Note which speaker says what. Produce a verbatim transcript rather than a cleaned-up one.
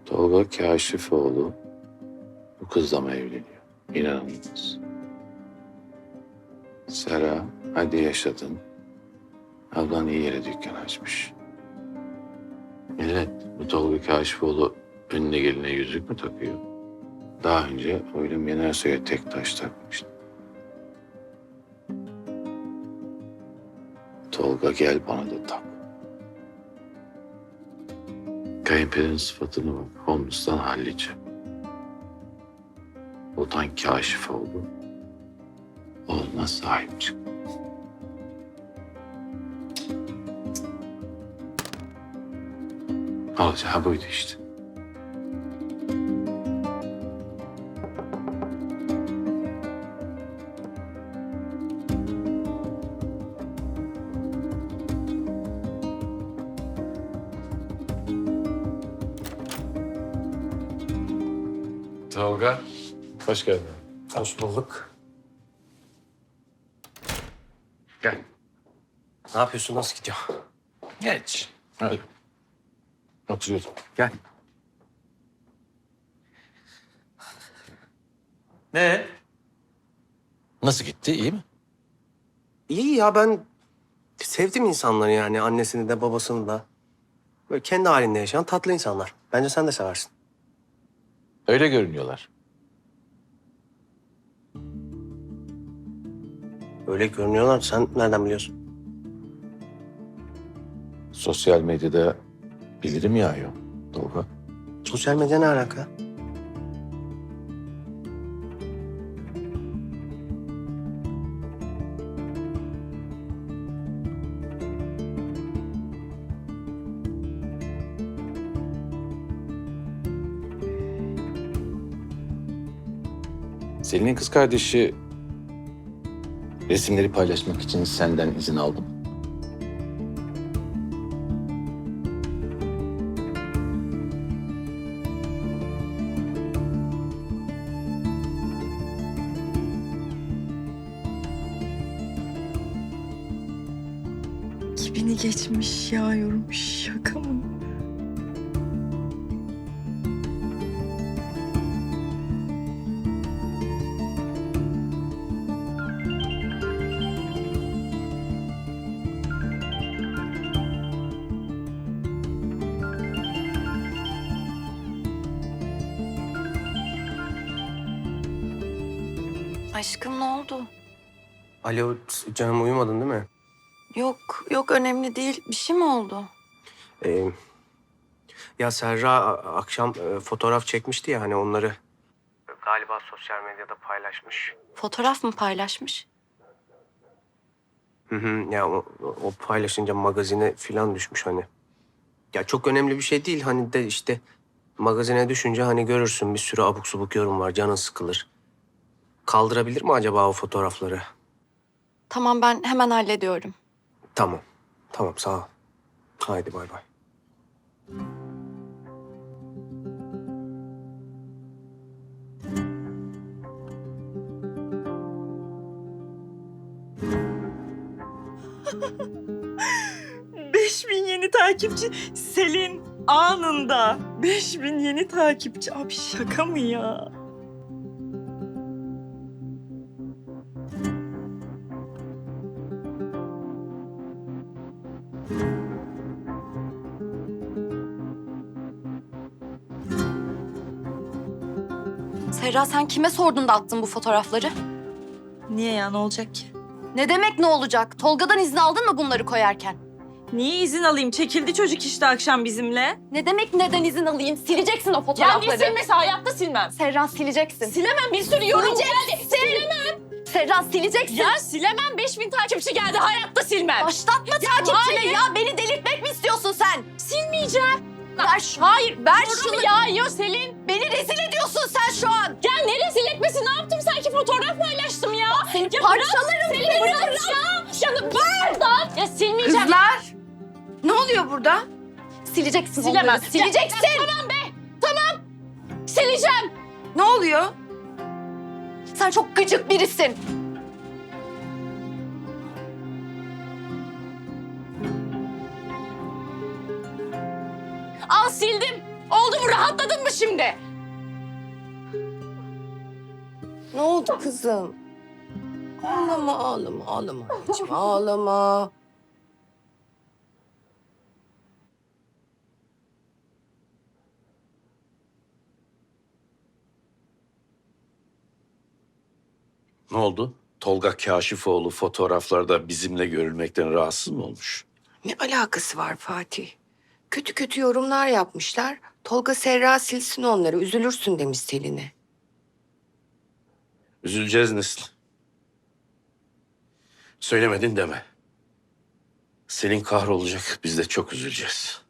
Speaker 1: Tolga Kaşifoğlu bu kızla mı evleniyor? İnanılmaz. Sera, hadi yaşadın. Ablan iyi yere dükkan açmış. Millet, bu Tolga Kaşifoğlu önüne geline yüzük mü takıyor? Daha önce Oylum Yenersoy'a tek taş takmıştı. Tolga gel bana da tak. Kayınpederin sıfatını bak, Holmes'tan hallice. Otan Kaşifoğlu. Oğluna sahip çık. Alacağı buydu işte.
Speaker 2: Tolga, hoş geldin.
Speaker 3: Hoş bulduk.
Speaker 2: Gel.
Speaker 3: Ne yapıyorsun? Nasıl gidiyor?
Speaker 2: Geç. Hadi. Oturuyorum.
Speaker 3: Gel. Ne?
Speaker 2: Nasıl gitti, iyi mi?
Speaker 3: İyi ya, ben sevdim insanları yani. Annesini de babasını da. Böyle kendi halinde yaşayan tatlı insanlar. Bence sen de seversin.
Speaker 2: Öyle görünüyorlar.
Speaker 3: Öyle görünüyorlar. Sen nereden biliyorsun?
Speaker 2: Sosyal medyada bildirim yağıyor Tolga.
Speaker 3: Sosyal medya ne alaka?
Speaker 2: Selin'in kız kardeşi resimleri paylaşmak için senden izin aldım.
Speaker 4: Kibini geçmiş yağıyorum. Şaka mı?
Speaker 5: Aşkım ne oldu?
Speaker 3: Alo canım, uyumadın değil mi?
Speaker 5: Yok, yok önemli değil. Bir şey mi oldu?
Speaker 3: Ee, ya Serra a- akşam e, fotoğraf çekmişti ya, hani onları. Galiba sosyal medyada paylaşmış.
Speaker 5: Fotoğraf mı paylaşmış?
Speaker 3: Hı hı, ya o, o paylaşınca magazine falan düşmüş hani. Ya çok önemli bir şey değil hani, de işte magazine düşünce hani görürsün, bir sürü abuk subuk yorum var, canın sıkılır. Kaldırabilir mi acaba o fotoğrafları?
Speaker 5: Tamam ben hemen hallediyorum.
Speaker 3: Tamam, tamam sağ ol. Haydi bay bay.
Speaker 4: Beş bin yeni takipçi. Selin anında. Beş bin yeni takipçi. Abi şaka mı ya?
Speaker 5: Serra sen kime sordun da attın bu fotoğrafları?
Speaker 4: Niye ya, ne olacak ki?
Speaker 5: Ne demek ne olacak? Tolga'dan izin aldın mı bunları koyarken?
Speaker 4: Niye izin alayım? Çekildi çocuk işte akşam bizimle.
Speaker 5: Ne demek neden izin alayım? Sileceksin o
Speaker 6: Ya
Speaker 5: fotoğrafları.
Speaker 6: niye silmesi? Hayatta silmem.
Speaker 5: Serra sileceksin.
Speaker 6: Silemem, bir sürü yorum geldi.
Speaker 5: Silemem. Serra sileceksin.
Speaker 6: Ya silemem, beş bin takipçi geldi. Hayatta silmem.
Speaker 5: Başlatma takipçine
Speaker 6: hayır.
Speaker 5: ya. Beni delirtmek mi istiyorsun sen?
Speaker 6: Silmeyeceğim.
Speaker 5: Ver şunu.
Speaker 6: Hayır,
Speaker 5: Ver
Speaker 6: yorumu
Speaker 5: şunu.
Speaker 6: yağıyor Selin.
Speaker 5: Beni rezil ediyorsun sen şu an.
Speaker 6: Ya ne rezil etmesi? Ne yaptım? Sanki fotoğraf paylaştım ya.
Speaker 5: Seni
Speaker 6: Ya
Speaker 5: parçalarım.
Speaker 6: Selin bırak ya. Ya buradan. Ya silmeyeceğim.
Speaker 5: Kızlar. Ne oluyor burada? Sileceksin
Speaker 6: Silemem.
Speaker 5: onları. Sileceksin.
Speaker 6: Ya, ya, tamam be. Tamam. Sileceğim.
Speaker 5: Ne oluyor? Sen çok gıcık birisin.
Speaker 6: Al sildim. Oldu mu? Rahatladın mı şimdi?
Speaker 7: Ne oldu kızım? Ağlama, ağlama, ağlama anneciğim, ağlama.
Speaker 2: Ne oldu? Tolga Kaşifoğlu fotoğraflarda bizimle görülmekten rahatsız mı olmuş?
Speaker 7: Ne alakası var Fatih? Kötü kötü yorumlar yapmışlar. Tolga Serra silsin onları, üzülürsün demiş Selin'e.
Speaker 2: Üzüleceğiz Nesli. Söylemedin deme. Selin kahrolacak, biz de çok üzüleceğiz.